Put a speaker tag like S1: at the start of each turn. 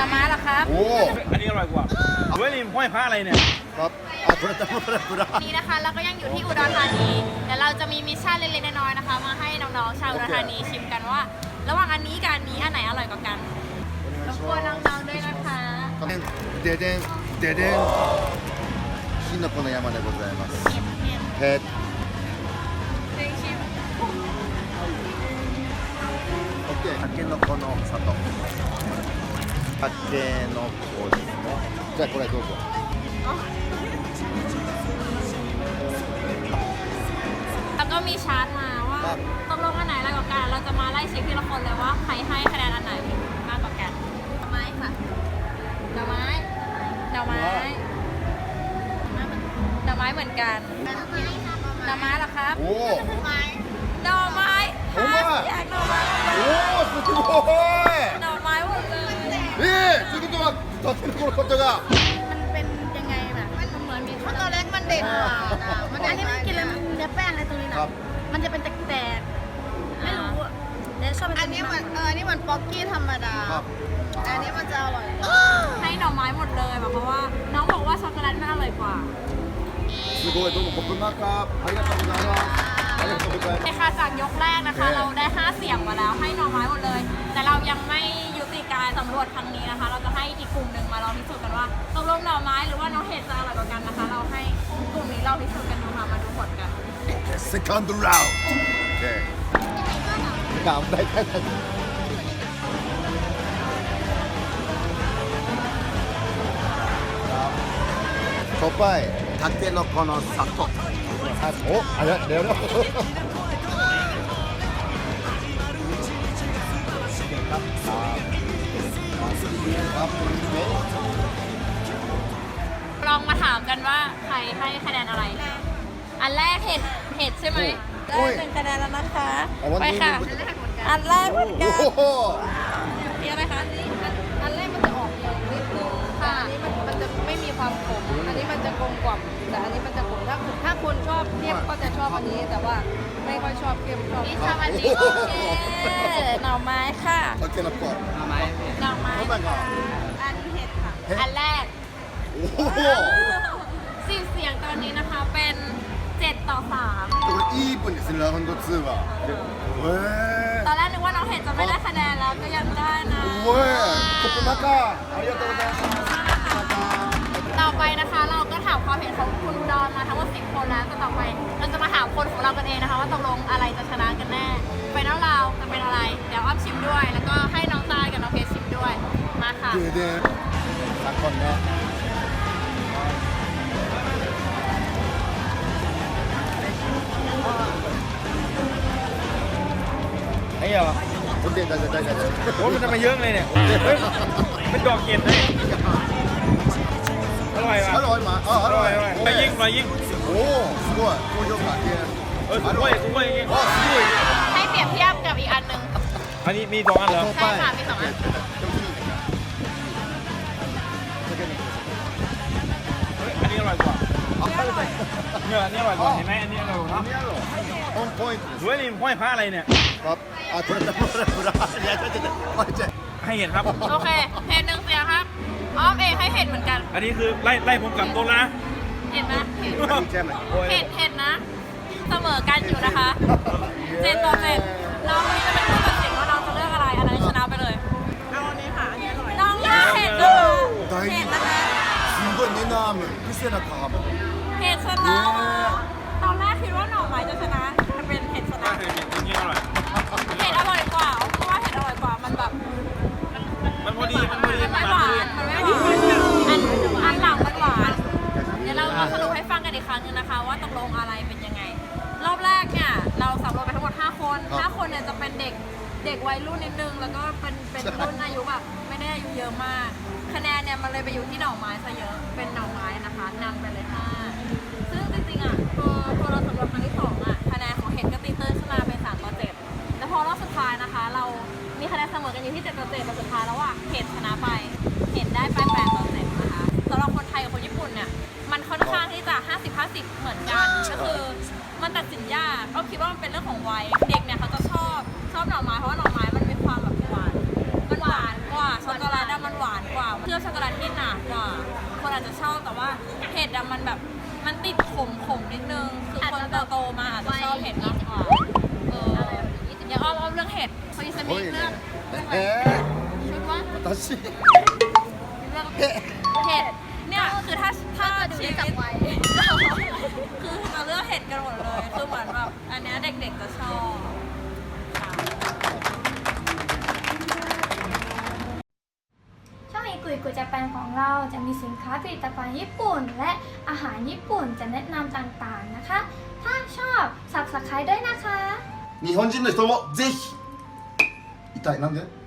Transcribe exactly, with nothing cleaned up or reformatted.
S1: อไม้เหรอครับ
S2: โอ้
S3: อันนี้อร่อยกว่าเฮ้ยนี่ห้อยพระอะไรเนี่ย
S2: ครับอ่ะคุณจะพูดอะไรคุณ
S1: นี่นะคะเราก็ยังอยู่ที่อุดรธานีเดี๋ยวเราจะมีมิชชั่นเล็กๆน้อยๆนะคะ มาให้น้องๆชาวอุดรธานีชิมกันว่า ระหว่างอันนี้กับอันนี้อันไหนอร่อยกว่ากันรบกวนน้องๆด้วยนะคะ
S2: ででんででんきのこの山でございますへ
S1: เพลงชิม
S2: オッケーたけのこの里たけのこですねじゃあこれどうぞ
S1: แล้วก็มีชาร์ตมาว่าตกลงอันไหนอร่อยกว่ากันเราจะมาไล่เช็คทีละคนเลยว่าใครให้คะแนนอันไหนมากกว่ากันดอกไม้ค่ะดอกไม้ดอกไม้ดอกไม้เหมือนกันดอกไม้เหรอครับ
S2: โอ้
S1: ดอกไม้
S2: โอ้มา
S1: อยากดอกไม้
S2: โอ้すごい
S1: ดอกไม้หมดเลย
S2: えーということはたけのこの里が
S1: มันเป็นยังไงแบบมันเหมือนมีข้าว
S4: ตอนแรกมันเด่นกว่ามัน
S1: อั
S4: เด่
S1: น
S4: น
S1: นี้มันกินแล้วมันเนื้อแป้งอะไรตรงนี้นะครับ มันจะเป็นแตกๆไม่รู้อะเดี๋ยวชอบ
S4: อันนี้มันเอออันนี้มันป๊อกกี้ธรรมดา
S2: ครับ
S4: อันนี้มันจะอร่อยกว่า
S1: ให้ดอกไม้หมดเลยแบบเพราะว่าน้องบอกว่าช็อกโกแลตมันอร่อยกว่า
S2: すごいどうもขอบคุณมากครับありがとうございますありがとうございます
S1: ในค่ะจากยกแรกนะคะ เราได้ห้าเสียงมาแล้วให้หน่อไม้หมดเลย แต่เรายังไม่ยุติการสำรวจครั้งนี้นะคะ เราจะให้อีกกลุ่มหนึ่งมาลองพิสูจน์กันว่าตกลงหน่อไม้หรือว่าน้องเห็ดจะอร่อยกว่ากันนะคะ เราให้กลุ่มนี้เราพิสูจน์กันดูค่ะมาดูผลกัน
S2: Second round. Okay. 頑張りたい。コパイ、タケノコの里。お、あれ、เดี๋ยวนะครับครับ
S1: ลองมาถามกันว่าใครให้คะแนนอะไร อันแรกเห็ดเห็ดใช่ไหมได้หนึ่งคะแนนแล้วนะคะไปค่ะอันแรกเหมือนกัน
S2: โอ้โห
S1: มีอะไรคะอันนี้
S4: อันแรกมันจะออกเหนียวนิดนึงแต่อันนี้มันมันจะไม่มีความขม อันนี้มันจะกลมกล่อมแต่อันนี้มันจะขมถ้าถ้าคนชอบเข้มก็จะชอบอันนี้ แต่ว่าไม่ค่อยชอบเข้มชอบ
S1: นี่ชอบอันนี้โอเคหน่อไม้ค่ะ
S2: タケノコ。
S1: หน่อไม้ค่ะอันเห็ดค่ะ อันแรก
S2: おお。
S1: สิบเสียงตอนนี้นะคะเป็นเจ็ดต่อสาม
S2: これイーブンですね、ラウンドツーは。へえ
S1: ตอนแรกนึกว่าน้องเห็ดจะไม่ได้คะแนนแล้วก็ยังได้นะ
S2: おい、コップ中。ありがとうございます。
S1: ต่อไปนะคะเราก็ถามความเห็นของคุณดอนมาทั้งหมดสิบคนแล้วแต่ต่อไปเราจะมาถามคนของเรากันเองนะคะว่าตกลงอะไรจะชนะกันแน่ไฟนอลเราจะเป็นอะไร เดี๋ยวอ้อมชิมด้วย แล้วก็ให้น้องตายกับน้องเพชรชิมด้วยมาค่ะ
S2: ででん。さこんね。
S3: ไอ้เหรอ
S2: โอเคได้ได้ได้ได้
S3: โอ้ยมันจะมาเยอะเลยเนี่ยเฮ้ยเป็นดอกเห็ดเลยอร่อยว่ะ
S2: อร่อยมาอ๋อ
S3: อ
S2: อ
S3: ร่
S2: ร่
S3: อ
S2: อย ย
S3: อร่อยไปยิ่งไปยิ่ง
S2: โอ้すごい高評価で
S3: เออสุกล้วยสุกล้วยอย่างงี้
S2: あすごい
S1: ให้เปรียบเทียบกับอีกอันหนึ่ง
S3: อันนี้มีสองอันเหรอ
S1: ใช่ค่ะมีสองอัน
S3: เฮ้ยอันนี้อร่อยกว่าเนี่ยอันนี้อร่อยกว่าเห็นไหมอันนี้อร่อยกว่า
S2: 何やろオンポイントです
S3: เฮ้ยนี่ห้อยพระอะไรเนี่ย
S2: ครับあこれだこれだこれだいやちょちょちょおいちょ
S3: ให้เห็ดครับ
S1: โอเคเห็ดหนึ่งเสียงครับอ้อมเองให้เห็ดเหมือนกัน
S3: อันนี้คือไล่ไล่ผมกลับโต๊ะแล้วนะ
S1: เห็ดนะเห็ด
S2: いちゃいます
S3: โอ้ย
S1: เห็ดเห็ดนะ เสมอกันอยู่นะคะเจ็ดต่อเจ็ดน้องวันนี้จะเป็นผู้ตัดสินว่าน้องจะเลือกอะไรอันนั้นชนะไปเลย
S4: เอาอันนี้ค่ะอันนี้อร่อย
S1: น้องเลือกเห็ดนะคะเห็ดนะคะ
S2: すごいネナームピセナカーム
S1: เห็ดชนะตอนแรกคิดว่าหน่อไม้จะชนะแต่เป็นเห็ดชนะ
S3: เห็ดอย่างนี้อร่อย
S1: เห็ดอร่อยกว่าเพราะว่าเห็ดอร่อยกว่ามันแบบ
S3: มันพอดีมันพอดี
S1: มัน
S3: มั
S1: ไม่
S3: น
S1: ห
S3: พอ
S1: วา
S3: ดี
S1: นมันไม่หวานอันอันหลังมันหวานเดี๋ยวเรามาสรุปให้ฟังกันอีกครั้งนึงนะคะ ว่าตกลงอะไรเป็นยังไง รอบแรกเนี่ยเราสำรวจไปทั้งหมดห้าคนห้าคนเนี่ยจะเป็นเด็กเด็กวัยรุ่นนิดนึงแล้วก็เป็นเป็นรุ่นอายุแบบไม่ได้อายุเยอะมาก คะแนนเนี่ยมันเลยไปอยู่ที่หน่อไม้ซะเยอะเป็นหน่อไม้นะคะนำไปเลยห้าซึ่งจริงๆอ่ะพอพอเราสำรวจครั้งที่สองอ่ะคะแนนของเห็ดก็ตีตื้นขึ้นมาเป็นสามต่อเจ็ดแล้วพอรอบสุดท้ายนะคะ เรามีคะแนนเสมอกันอยู่ที่เจ็ดต่อเจ็ดแต่สุดท้ายแล้วอ่ะเห็ดชนะไปเห็ดได้ไปแปดต่อเจ็ดนะคะสำหรับคนไทยกับคนญี่ปุ่นเนี่ยมันค่อนข้างที่จะห้าสิบ ห้าสิบเหมือนกันก็คือมันตัดสินยากก็คิดว่ามันเป็นเรื่องของวัยเด็กเนี่ยเขาจะชอบชอบหน่อไม้เพราะว่าหน่อไม้มันมีความแบบหวานมันหวานกว่าช็อกโกแลตอะมันหวานกว่าอาจจะชอบแต่ว่าเผ็ดอะมันแบบมันติดขมขมนิดนึงคือคนโตๆมาอาจจะชอบเผ็ดมากกว่าเอออย่างอ้อมอ้อมเรื่องเห็ดพอดีสมิ
S2: すごい
S1: เรื่อง
S2: ね
S1: เรื่องอะไร
S2: え
S1: ชุดว่า
S2: ー、私
S1: เรื่องเห็ดเนี่ยคือถ้าถ้าชีวิตคือเราเลือกเห็ดกันหมดเลยคือเหมือนแบบอันเนี้ยเด็กๆจะชอบ
S5: ช่องอีกุยกุยจะแปนของเราจะมีสินค้าผลิตภัณฑ์ญี่ปุ่น และอาหารญี่ปุ่นจะแนะนำต่างๆนะคะ ถ้าชอบ Subscribe ด้วยนะคะ
S2: 日本人の人もぜひ痛いなんで